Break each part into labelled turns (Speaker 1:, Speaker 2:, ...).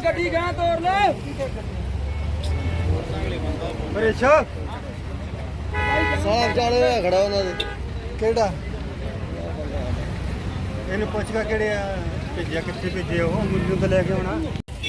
Speaker 1: ਗੱਡੀ ਗਾਂ ਤੋੜ ਲੈ
Speaker 2: ਮਰੇਸ਼ਾ
Speaker 3: ਸਾਫ ਚਾਲੇ ਹੋਇਆ ਖੜਾ ਉਹਨਾਂ ਦੇ
Speaker 2: ਕਿਹੜਾ ਇਹਨੂੰ ਪੁੱਛ ਕੇ ਕਿਹੜੇ ਆ ਭੇਜਿਆ ਕਿੱਥੇ ਭੇਜੇ ਉਹ ਮੈਨੂੰ ਤਾਂ ਲੈ ਕੇ ਆਉਣਾ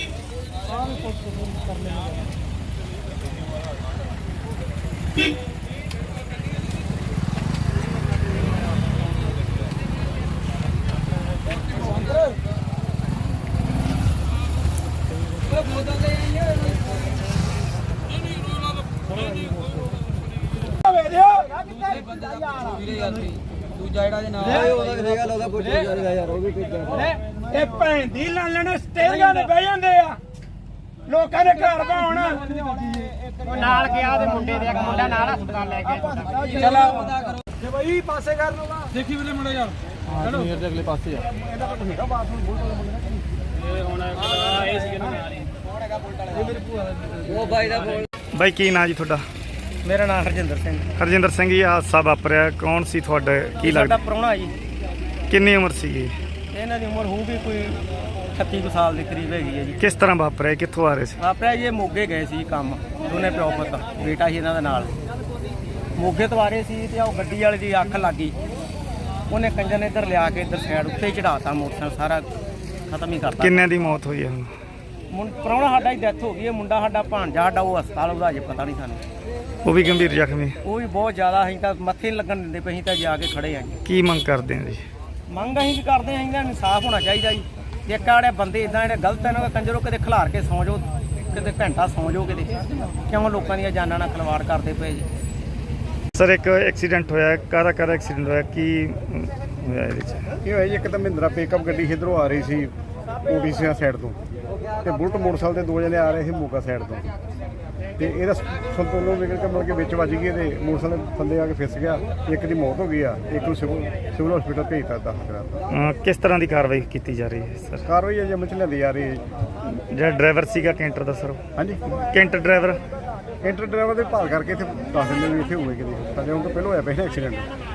Speaker 1: ਦੂਜਾ ਜਿਹੜਾ ਦੇ ਨਾਲ
Speaker 3: ਉਹਦਾ ਕਿਹੜਾ ਲੋਗਾ ਪੁੱਛ ਜਾਏਗਾ ਯਾਰ ਉਹ ਵੀ ਭੇਜਿਆ
Speaker 4: ਇਹ ਭੈਣ ਦੀ ਲਾਲਣ ਸਟੇਜਾਂ ਤੇ ਬਹਿ ਜਾਂਦੇ ਆ ਲੋਕਾਂ ਦੇ ਘਰ ਭਾਉਣ ਉਹ ਨਾਲ ਗਿਆ ਉਹਦੇ ਮੁੰਡੇ ਦੇ ਇੱਕ ਮੁੰਡਾ ਨਾਲ ਹਸਪਤਾਲ ਲੈ ਕੇ
Speaker 1: ਚਲੋ
Speaker 4: ਤੇ ਬਈ ਪਾਸੇ ਕਰ ਲਓਗਾ
Speaker 1: ਦੇਖੀ ਵੀਰੇ ਮੁੰਡਾ ਯਾਰ
Speaker 3: ਚਲੋ ਮੇਰੇ ਦੇ ਅਗਲੇ ਪਾਸੇ ਆ
Speaker 4: ਇਹਦਾ ਤਾਂ ਹੈਗਾ ਬਾਥਰੂਮ ਬੋਲ ਇਹ ਹੁਣ ਇਹ ਸੀ ਨਾ ਇਹ ਮੇਰੀ ਭੂਆ ਦਾ
Speaker 3: ਉਹ ਬਾਈ ਦਾ ਬੋਲ
Speaker 2: ਬਾਈ ਕੀ ਨਾਂ ਜੀ ਤੁਹਾਡਾ
Speaker 4: ਮੇਰਾ ਨਾਮ ਹਰਜਿੰਦਰ ਸਿੰਘ
Speaker 2: ਹਰਜਿੰਦਰ ਸਿੰਘ ਜੀ ਹਾਦਸਾ ਵਾਪਰਿਆ ਕੌਣ ਸੀ ਤੁਹਾਡਾ ਕੀ
Speaker 4: ਸਾਡਾ
Speaker 2: ਲੱਗਦਾ
Speaker 4: ਪ੍ਰਾਹੁਣਾ ਜੀ
Speaker 2: ਕਿੰਨੀ ਉਮਰ ਸੀਗੀ
Speaker 4: ਇਹਨਾਂ ਦੀ ਉਮਰ ਹੋਊਗੀ ਕੋਈ 36 ਕੁ ਸਾਲ ਦੇ ਕਰੀਬ ਹੈਗੀ ਹੈ ਜੀ
Speaker 2: ਕਿਸ ਤਰ੍ਹਾਂ ਵਾਪਰਿਆ ਕਿੱਥੋਂ ਆ ਰਹੇ ਸੀ
Speaker 4: ਆਪਣਾ ਇਹ ਮੋਗੇ ਗਏ ਸੀ ਕੰਮ ਦੋਨੇ ਪਿਓ ਪੁੱਤ ਬੇਟਾ ਸੀ ਇਹਨਾਂ ਦੇ ਨਾਲ ਮੋਗੇ ਤੋਂ ਆ ਰਹੇ ਸੀ ਤੇ ਉਹ ਗੱਡੀ ਵਾਲੇ ਦੀ ਅੱਖ ਲੱਗ ਗਈ ਉਹਨੇ ਕੰਜਰ ਨੇ ਇੱਧਰ ਲਿਆ ਕੇ ਇੱਧਰ ਸਾਈਡ ਉੱਤੇ ਹੀ ਚੜਾਤਾ ਮੋਟਰਸਾਈਕਲ ਸਾਰਾ ਖਤਮ ਹੀ ਕਰਤਾ
Speaker 2: ਕਿੰਨਿਆਂ ਦੀ ਮੌਤ ਹੋਈ ਹੈ ਹੁਣ
Speaker 4: ਪ੍ਰਾਹੁਣਾ ਸਾਡਾ ਹੀ ਡੈਥ ਹੋ ਗਈ ਹੈ ਮੁੰਡਾ ਸਾਡਾ ਭਾਣਜਾ ਸਾਡਾ ਉਹ ਹਸਪਤਾਲ ਉਹਦਾ ਅਜੇ ਪਤਾ ਨਹੀਂ ਸਾਨੂੰ
Speaker 2: ਉਹ ਵੀ ਗੰਭੀਰ ਜ਼ਖਮੀ
Speaker 4: ਉਹ ਵੀ ਬਹੁਤ ਜ਼ਿਆਦਾ ਅਸੀਂ ਤਾਂ ਮੱਥੇ ਨਹੀਂ ਲੱਗਣ ਦਿੰਦੇ ਪਏ ਅਸੀਂ ਤਾਂ ਜਾ ਕੇ ਖੜੇ ਆਂ ਜੀ
Speaker 2: ਕੀ ਮੰਗ ਕਰਦੇ ਆ ਜੀ
Speaker 4: ਮੰਗ ਅਸੀਂ ਵੀ ਕਰਦੇ ਆਂ ਇਹਨਾਂ ਨੂੰ ਇਨਸਾਫ ਹੋਣਾ ਚਾਹੀਦਾ ਜੀ ਇੱਕ ਆੜੇ ਬੰਦੇ ਇਦਾਂ ਜਿਹੜੇ ਗਲਤ ਇਹਨਾਂ ਦਾ ਕੰਜਰੋ ਕਿਤੇ ਖਿਲਾਰ ਕੇ ਸੌਂ ਜਾਓ ਕਿਤੇ ਘੰਟਾ ਸੌਂ ਜਾਓ ਕਿਤੇ ਕਿਉਂ ਲੋਕਾਂ ਦੀਆਂ ਜਾਨਾਂ ਨਾਲ ਖਿਲਵਾੜ ਕਰਦੇ ਪਏ ਜੀ
Speaker 2: ਸਰ ਇੱਕ ਐਕਸੀਡੈਂਟ ਹੋਇਆ ਕਾਹਦਾ ਐਕਸੀਡੈਂਟ ਹੋਇਆ ਕੀ ਹੋਇਆ ਇਹਦੇ 'ਚ
Speaker 5: ਇਹ ਹੋਇਆ ਜੀ ਇੱਕ ਤਾਂ ਮਹਿੰਦਰਾ ਪਿਕਅਪ ਗੱਡੀ ਇੱਧਰੋਂ ਆ ਰਹੀ ਸੀ ਓਡੀਸੀ ਸਾਈਡ ਤੋਂ ਤੇ ਬੁਲਟ ਮੋਟਰਸਾਈਕਲ ਤੇ ਦੋ ਜਣੇ ਆ ਰਹੇ ਸੀ ਮੋਗਾ ਸਾਈਡ ਤੋਂ ਤੇ ਇਹਦਾ ਸੰਤੁਲਨ ਵਿਗੜ ਕੇ ਮੁੜ ਕੇ ਵਿੱਚ ਵੱਜ ਗਈ ਤੇ ਮੋਟਰਸਾਈਕਲ ਥੱਲੇ ਆ ਕੇ ਫਿਸ ਗਿਆ ਇੱਕ ਦੀ ਮੌਤ ਹੋ ਗਈ ਆ ਇੱਕ ਨੂੰ ਸਿਵਲ ਹਸਪੀਟਲ ਭੇਜਤਾ ਦਾਖਲ ਕਰਾਤਾ
Speaker 2: ਕਿਸ ਤਰ੍ਹਾਂ ਦੀ ਕਾਰਵਾਈ ਕੀਤੀ ਜਾ ਰਹੀ ਹੈ ਸਰ
Speaker 5: ਕਾਰਵਾਈ ਅਜੇ ਅਮਲ ਚ ਲਿਆਂਦੀ ਜਾ ਰਹੀ ਹੈ
Speaker 2: ਜਿਹੜਾ ਡਰਾਈਵਰ ਸੀਗਾ ਕੈਂਟਰ ਦਾ ਸਰ
Speaker 5: ਹਾਂਜੀ
Speaker 2: ਕੈਂਟਰ ਡਰਾਈਵਰ
Speaker 5: ਇੰਟਰ ਡਰਾਈਵਰ ਦੇ ਭਾਲ ਕਰਕੇ ਇੱਥੇ ਦੱਸ ਦਿੰਦੇ ਵੀ ਇੱਥੇ ਹੋਏ ਕਿਤੇ ਸਾਡੇ ਹੁਣ ਤੋਂ ਪਹਿਲਾਂ ਹੋਇਆ ਪਹਿਲਾਂ ਐਕਸੀਡੈਂਟ